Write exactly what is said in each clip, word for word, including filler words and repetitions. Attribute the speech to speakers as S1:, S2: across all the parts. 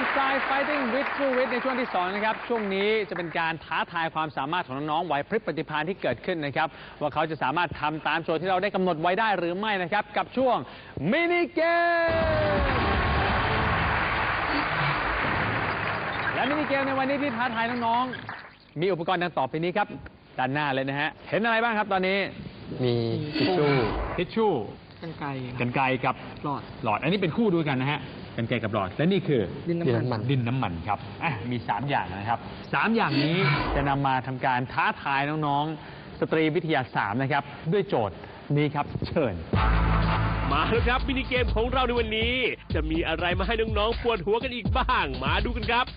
S1: Side Fighting with True Wit ในช่วงที่สองนะครับช่วงนี้จะเป็นการท้าทายความสามารถของน้องๆไหวพริบปฏิภาณที่เกิดขึ้นนะครับว่าเขาจะสามารถทำตามโจทย์ที่เราได้กำหนดไว้ได้หรือไม่นะครับกับช่วงมินิเกมและมินิเกมในวันนี้ที่ท้าทายน้องๆมีอุปกรณ์ดังต่อไปนี้ครับด้านหน้าเลยนะฮะเห็นอะไรบ้างครับตอนนี้
S2: มีทิชชู่
S1: ทิชชู่
S3: กรรไกร
S1: กรรไกรกับ
S3: หลอด
S1: หลอดอันนี้เป็นคู่ด้วยกันนะฮะกรรไกรกับหลอดและนี่คือ
S3: ดินน้ำมัน
S1: ดินน้ำมันครับอ่ะมีสามอย่างนะครับสามอย่างนี้จะนำมาทำการท้าทายน้องๆสตรีวิทยาสามนะครับด้วยโจทย์นี้ครับเชิญ
S4: มาแล้วครับมินิเกมของเราในวันนี้จะมีอะไรมาให้น้องๆปวดหัวกันอีกบ้างมาดูกันครับ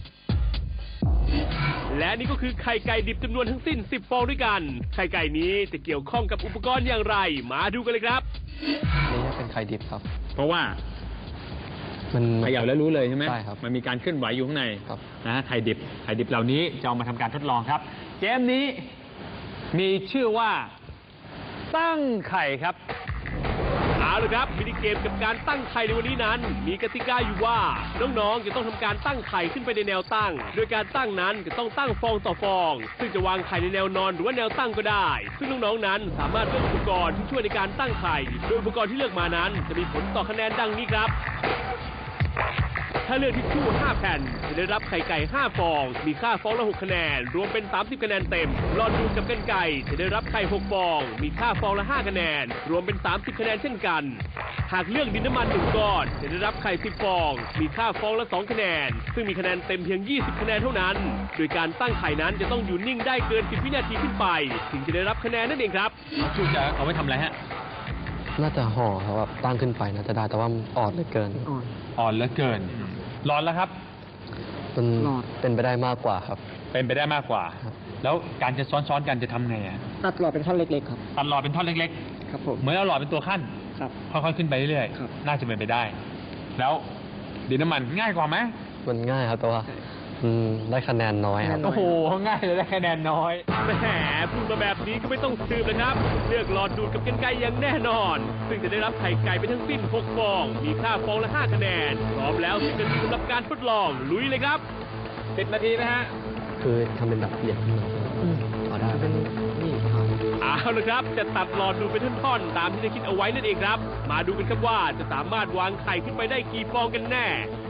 S4: และนี่ก็คือไข่ไก่ดิบจำนวนทั้งสิ้นสิบฟองด้วยกันไข่ไก่นี้จะเกี่ยวข้องกับอุปกรณ์อย่างไรมาดูกันเลยครับ
S2: นี่เป็นไข่ดิบครับ
S1: เพราะว่า
S2: มัน
S1: เขย่าแล้วรู้เลยใช่ไหม
S2: ใช่ครับ
S1: มันมีการเคลื่อนไหวอยู่ข้างใน
S2: ครับ
S1: นะไข่ดิบไข่ดิบเหล่านี้จะเอามาทำการทดลองครับเกมนี้มีชื่อว่าตั้งไข่ครับ
S4: เอาละครับมินิเกมกับการตั้งไข่ในวันนี้นั้นมีกติกาอยู่ว่าน้องๆจะต้องทำการตั้งไข่ขึ้นไปในแนวตั้งโดยการตั้งนั้นจะต้องตั้งฟองต่อฟองซึ่งจะวางไข่ในแนวนอนหรือว่าแนวตั้งก็ได้ซึ่งน้องๆนั้นสามารถเลือกอุปกรณ์ที่ช่วยในการตั้งไข่โดยอุปกรณ์ที่เลือกมานั้นจะมีผลต่อคะแนนดังนี้ครับถ้าเลือกทิชชู่ห้าแผ่นจะได้รับไข่ไก่ห้าฟองมีค่าฟองละหกคะแนนรวมเป็นสามสิบคะแนนเต็มหลอดดูดกับกรรไกรจะได้รับไข่หกฟองมีค่าฟองละห้าคะแนนรวมเป็นสามสิบคะแนนเช่นกันหากเลือกดินน้ำมันหนึ่งก้อนจะได้รับไข่สิบฟองมีค่าฟองละสองคะแนนซึ่งมีคะแนนเต็มเพียงยี่สิบคะแนนเท่านั้นโดยการตั้งไข่นั้นจะต้องอยู่นิ่งได้เกินสิบวินาทีขึ้นไปถึงจะได้รับคะแนนนั่นเองครับ
S1: ชูจะเอาไว้ทำอะไรฮะ
S2: น่าจะห่อครับแบบตั้งขึ้นไปน่าจะได้แต่ว่าอ่อนเหลือเกิน
S3: อ่อน
S1: อ่อนเหลือเกินหลอดแล้วครับ
S2: มันเป็นไปได้มากกว่าครับ
S1: เป็นไปได้มากกว่าแล้วการจะซ้อนๆกันจะทำไงอ่ะ
S3: ตัดหลอดเป็นท่อนเล็กๆครับ
S1: ตัดหลอดเป็นท่อนเล็ก
S3: ๆครับผม
S1: เหมือนเอาหลอดเป็นตัวขั้น
S3: ครับ
S1: ค่อยๆขึ้นไปเรื่อยๆน่าจะเป็นไปได้แล้วดินน้ำมันง่ายกว่าไหม
S2: มันง่ายครับแต่ว่าได้คะแนนน้อยครับ
S1: โอ้โหง่ายเลยได้คะแนนน้อย
S4: แหมพูดมาแบบนี้ก็ไม่ต้องสืบเลยครับเลือกหลอดดูดกับกรรไกรอย่างแน่นอนซึ่งจะได้รับไข่ไก่ไปทั้งสิ้นหกฟองมีค่าฟองละห้าคะแนนพร้อมแล้วสิบนาทีสำหรับการทดลองลุยเลยครับ
S1: สิบนาทีนะฮะ
S2: คือทำเป็นแบบเหยียดขึ้นมาเอาได้เป็นนี่
S4: เอาละครับจะตัดหลอดดูดเป็นท่อนๆตามที่ได้คิดเอาไว้นั่นเองครับมาดูกันครับว่าจะสามารถวางไข่ขึ้นไปได้กี่ฟองกันแน่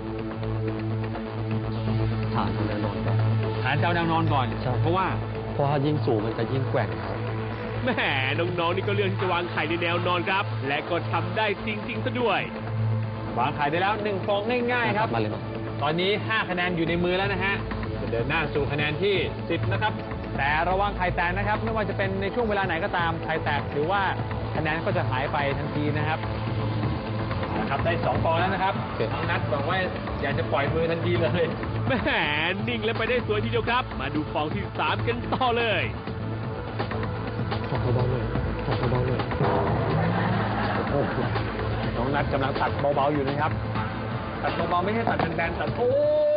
S2: ฐานแนวนอนก่อน
S1: ฐานเจ้าแนวนอนก่อนเพราะว่า
S2: เพราะว่ายิ่งสูงมันจะยิ่งแกว่งครับ
S4: แหมน้องๆนี่ก็เลือกที่จะวางไข่ในแนวนอนครับและก็ทำได้จริงๆซะด้วย
S1: วางไข่ได้แล้วหนึ่งฟองง่ายๆครับ
S2: มาเลย
S1: ตอนนี้ห้าคะแนนอยู่ในมือแล้วนะฮะจะเดินหน้าสู่คะแนนที่สิบนะครับแต่ระวังไข่แตกนะครับไม่ว่าจะเป็นในช่วงเวลาไหนก็ตามไข่แตกหรือว่าคะแนนก็จะหายไปทันทีนะครับนะครับได้สองฟองแล้วนะครับน้องนัทบอกว่าอยากจะปล่อยมือทันทีเลย
S4: แหมนิ่งแล้วไปได้สวยทีเดียวครับมาดูฟองที่สามกันต่อเลย
S2: ขอเบาๆเลยขอเบาๆเลย
S1: โอ้โหน้องนัทกำลังตัดเบาๆอยู่นะครับตัดเบาๆไม่ใช่ตัดแบนๆตัดโอ้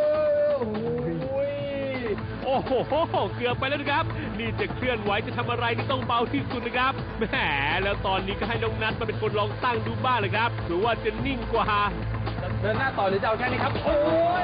S4: โอ้โหเกือบไปแล้วนะครับนี่จะเคลื่อนไหวจะทำอะไรนี่ต้องเบาที่สุดนะครับแหมแล้วตอนนี้ก็ให้น้องนัทมาเป็นคนลองตั้งดูบ้างเลยครับหรือว่าจะนิ่งกว่า
S1: เดินหน้าต่อหรือจะเอาแค่นี้ครับโอ้ย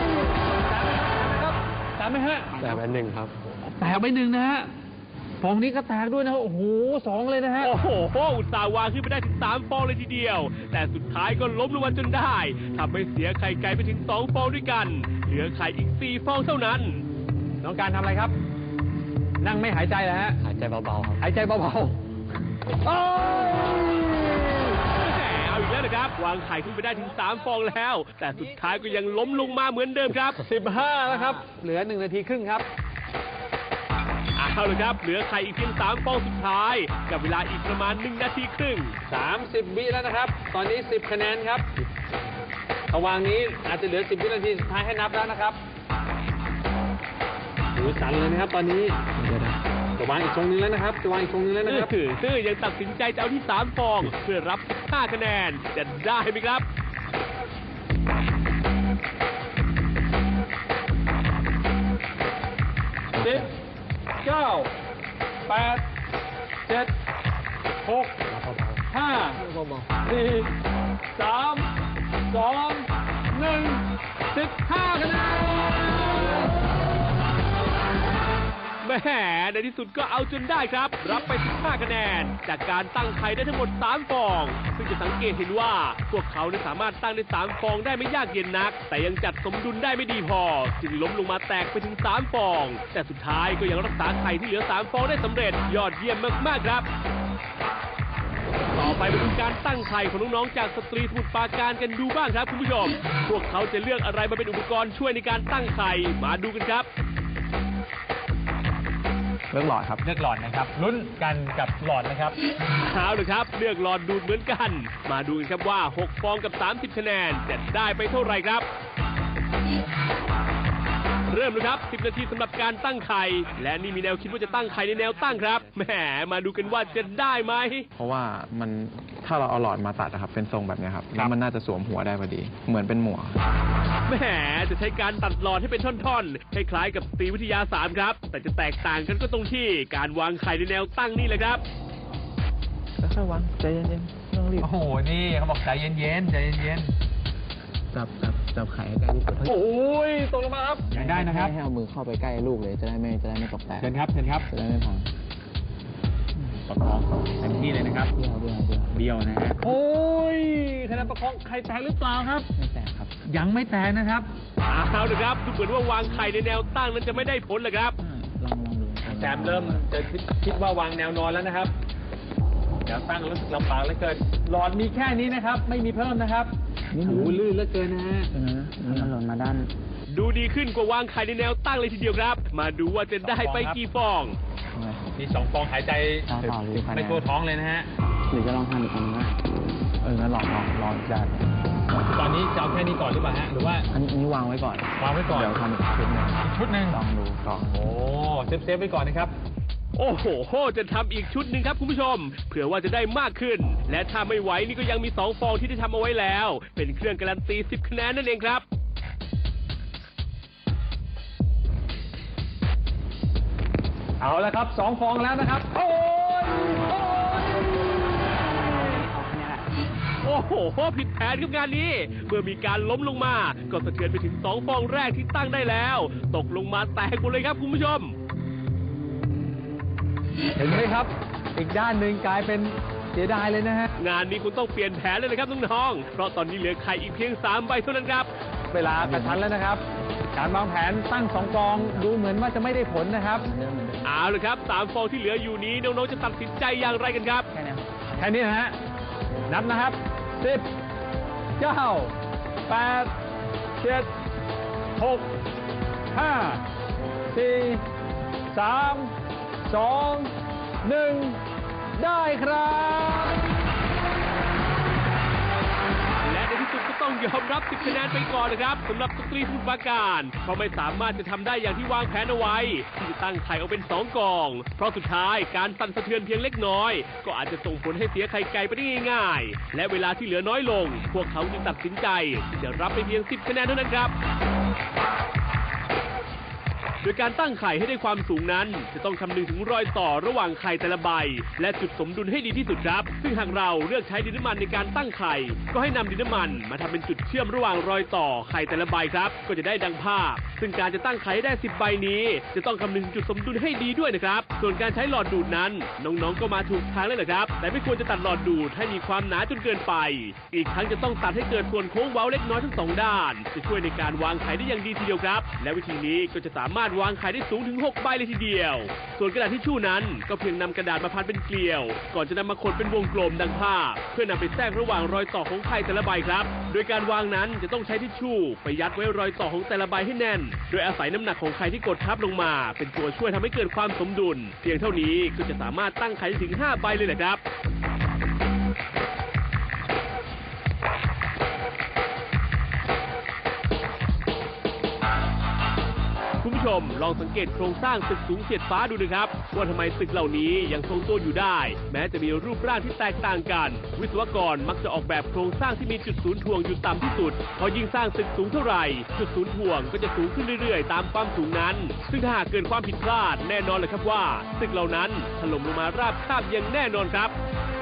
S1: ตามไหมฮะ
S2: แตกไปหนึ่งครับ
S1: แตกไปหนึ่งนะฮะฟองนี้ก็แตกด้วยนะโอ้โหสองเลยนะฮะ
S4: โอ้โหอุตส่าห์วางขึ้นไปได้ถึงสามฟองเลยทีเดียวแต่สุดท้ายก็ล้มลงมาจนได้ทำให้เสียไข่ไก่ไปถึงสองฟองด้วยกันเหลือไข่อีกสี่ฟองเท่านั้น
S1: น้องการทำอะไรครับนั่งไม่หายใจเหรอฮะ
S2: หายใจเบาๆครับ
S1: หายใจเบาๆโอ้ย
S4: แหมเอาอีกแล้วนะครับวางไข่ขึ้นไปได้ถึงสามฟองแล้วแต่สุดท้ายก็ยังล้มลงมาเหมือนเดิมครับ
S1: สิบห้าแล้วครับเหลือหนึ่งนาทีครึ่งครับ
S4: เอาเลยครับเหลือไข่อีกเพียงสามฟองสุดท้ายกับเวลาอีกประมาณหนึ่งนาทีครึ่ง
S1: สามสิบวิแล้วนะครับตอนนี้สิบคะแนนครับระหว่างนี้อาจจะเหลือสิบวินาทีสุดท้ายให้นับแล้วนะครับหูสั่นเลยนะครับตอนนี้จะวางอีกทรงนึงแล้วนะครับจะวางอีกทรงนึงแล้วนะครับ
S4: คือยังตัดสินใจจะเอาที่สามฟองเพื่อรับห้าคะแนนจะได้ไหมครับ
S1: สิบเก้าแปดเจ็ดหกห้าสี่สามสองหนึ่งสิบห้าคะแนน
S4: แหมในที่สุดก็เอาจนได้ครับ รับไปสิบห้าคะแนนจากการตั้งไข่ได้ทั้งหมดสามฟองซึ่งจะสังเกตเห็นว่าพวกเขาสามารถตั้งได้สามฟองได้ไม่ยากเย็นนักแต่ยังจัดสมดุลได้ไม่ดีพอจึงล้มลงมาแตกไปถึงสามฟองแต่สุดท้ายก็ยังรักษาไข่ที่เหลือสามฟองได้สำเร็จยอดเยี่ยมมากๆครับต่อไปมาดูการตั้งไข่ของน้องๆจากสตรีสมุทรปราการกันดูบ้างครับคุณผู้ชมพวกเขาจะเลือกอะไรมาเป็นอุปกรณ์ช่วยในการตั้งไข่มาดูกันครับ
S1: เลือกหลอดครับเลือกหลอดนะครับลุ้นกันกับหลอดนะครับ
S4: เอาเลยครับเลือกหลอดดูดเหมือนกันมาดูกันครับว่าหกฟองกับสามสิบคะแนนจะได้ไปเท่าไหร่ครับเริ่มเลยครับสิบนาทีสำหรับการตั้งไข่และนี่มีแนวคิดว่าจะตั้งไข่ในแนวตั้งครับแหมมาดูกันว่าจะได้ไหม
S5: เพราะว่ามันถ้าเราเอาหลอดมาตัดนะครับเป็นทรงแบบนี้ครับแล้วมันน่าจะสวมหัวได้พอดีเหมือนเป็นหมวก
S4: แหมจะใช้การตัดหลอดให้เป็นท่อนๆคล้ายๆกับสตรีวิทยาสามครับแต่จะแตกต่างกันก็ตรงที่การวางไข่ในแนวตั้งนี่แหละครับ
S5: ค่อยๆวางใจเย็นๆไม่ต้องรีบ
S1: โอ้โหนี่เขาบอกใจเย็นๆใจเย็น
S5: ๆจับจับจับไข่ใกล้ลูก
S1: โอ้ยตกลงมาครับยังได้นะครับ
S5: ให้เอามือเข้าไปใกล้ลูกเลยจะได้ไม่จะได้ไม่ตกแตก
S1: เชิญครับเชิญครับ
S5: จะได้ไม่พัง
S1: ประคองเต็มที่เลยนะครับ
S5: เบี้ยวเบี้ยวเบี้ยว
S1: เบี้ยวนะฮะโอ้ยคะแนนประคองไข่แตกหรือเปล่าครับ
S5: ไม่แตกครับ
S1: ยังไม่แตกนะครับ
S4: เอาเลยครับดูเหมือนว่าวางไข่ในแนวตั้งนั้นจะไม่ได้ผลเลยครับ
S5: ลองลองดู
S1: แซมเริ่มจะคิดว่าวางแนวนอนแล้วนะครับแนวตั้งรู้สึกลำบากเหลือเกินหลอดมีแค่นี้นะครับไม่มีเพิ่มนะครับโอ้โหลื่นเหลือเกินนะฮะ
S5: นี่มันหล่นมาด้าน
S4: ดูดีขึ้นกว่าวางไข่ในแนวตั้งเลยทีเดียวครับมาดูว่าจะได้ไปกี่ฟอง
S1: มีสองฟองหายใจไม่ทั่วท้องเลยนะฮะ
S5: หรือจะลองทำอีกอันนึงนะเอองั้นลองลองลองจาน
S1: ตอนนี้จะเอาแค่นี้ก่อนหรือเปล่าฮะหรือว่า
S5: อันนี้วางไว้ก่อน
S1: วางไว้ก่อน
S5: เดี๋ยวทำอีกชุดหนึ่ง
S1: ชุดหนึ่ง
S5: ลองดูก่อน
S1: โอ้เซฟเซฟไว้ก่อนนะครับ
S4: โอ้โหจะทำอีกชุดหนึ่งครับคุณผู้ชมเผื่อว่าจะได้มากขึ้นและถ้าไม่ไหวนี่ก็ยังมีสองฟองที่ได้ทำเอาไว้แล้วเป็นเครื่องการันตีสิบคะแนนนั่นเองครับ
S1: เอาละครับสองฟองแล้วนะครับโอ้ย
S4: โอ้โหผิดแผนกับงานนี้เมื่อมีการล้มลงมาก็สะเทือนไปถึงสองฟองแรกที่ตั้งได้แล้วตกลงมาแตกหมดเลยครับคุณผู้ชม
S1: เห็นไหมครับอีกด้านหนึ่งกลายเป็นเสียดายเลยนะฮะ
S4: งานนี้คุณต้องเปลี่ยนแผนเลยนะครับน้องๆเพราะตอนนี้เหลือไข่อีกเพียงสามใบเท่านั้นครับ
S1: เวลากระชั้นแล้วนะครับการวางแผนตั้งสองฟองดูเหมือนว่าจะไม่ได้ผลนะครับ
S4: เอาเลยครับสามฟองที่เหลืออยู่นี้น้องๆจะตัดสินใจอย่างไรกันครับ
S1: แค่นี้แค่นี้นะฮะนับนะครับสิบเก้าแปดเจ็ดหกห้าสี่สามสองหนึ่งได้ครับ
S4: และในที่สุดก็ต้องยอมรับสิบคะแนนไปก่อนนะครับสำหรับสตรีสมุทรปราการเพราะไม่สามารถจะทำได้อย่างที่วางแผนเอาไว้ที่จะตั้งไข่เอาเป็นสองกองเพราะสุดท้ายการสั่นสะเทือนเพียงเล็กน้อยก็อาจจะส่งผลให้เสียไข่ไก่ไปได้ง่ายๆและเวลาที่เหลือน้อยลงพวกเขาจึงตัดสินใจที่จะรับไปเพียงสิบคะแนนเท่านั้นครับโดยการตั้งไข่ให้ได้ความสูงนั้นจะต้องคำนึงถึงรอยต่อระหว่างไข่แต่ละใบและจุดสมดุลให้ดีที่สุดครับซึ่งหากเราเลือกใช้ดินน้ำมันในการตั้งไข่ก็ให้นำดินน้ำมันมาทำเป็นจุดเชื่อมระหว่างรอยต่อไข่แต่ละใบครับก็จะได้ดังภาพซึ่งการจะตั้งไข่ให้ได้สิบใบนี้จะต้องคำนึงจุดสมดุลให้ดีด้วยนะครับส่วนการใช้หลอดดูดนั้นน้องๆก็มาถูกทางแล้วแหละครับแต่ไม่ควรจะตัดหลอดดูดให้มีความหนาจนเกินไปอีกทั้งจะต้องตัดให้เกิดส่วนโค้งเว้าเล็กน้อยทั้งสองด้านจะช่วยในการวางไข่ได้อย่างดีทีเดียวครับและวิธีนี้ก็จะสามารถวางไข่ได้สูงถึงหกใบเลยทีเดียวส่วนกระดาษทิชชู่นั้นก็เพียงนำกระดาษมาพันเป็นเกลียวก่อนจะนำมาขดเป็นวงกลมดังภาพเพื่อนำไปแทรกระหว่างรอยต่อของไข่แต่ละใบครับโดยการวางนั้นจะต้องใช้ทิชชู่ไปยัดไว้รอยต่อของแต่ละใบให้แน่นโดยอาศัยน้ำหนักของไข่ที่กดทับลงมาเป็นตัวช่วยทำให้เกิดความสมดุลเพียงเท่านี้ก็จะสามารถตั้งไข่ได้ถึงห้าใบเลยแหละครับคุณผู้ชมลองสังเกตโครงสร้างตึกสูงเฉียดฟ้าดูนะครับว่าทำไมตึกเหล่านี้ยังทรงตัวอยู่ได้แม้จะมีรูปร่างที่แตกต่างกันวิศวกรมักจะออกแบบโครงสร้างที่มีจุดศูนย์ถ่วงอยู่ต่ำที่สุดพอยิ่งสร้างตึกสูงเท่าไหร่จุดศูนย์ถ่วงก็จะสูงขึ้นเรื่อยๆตามความสูงนั้นซึ่งถ้าหากเกิดความผิดพลาดแน่นอนเลยครับว่าตึกเหล่านั้นถล่มลงมาราบคาบอย่างแน่นอนครับ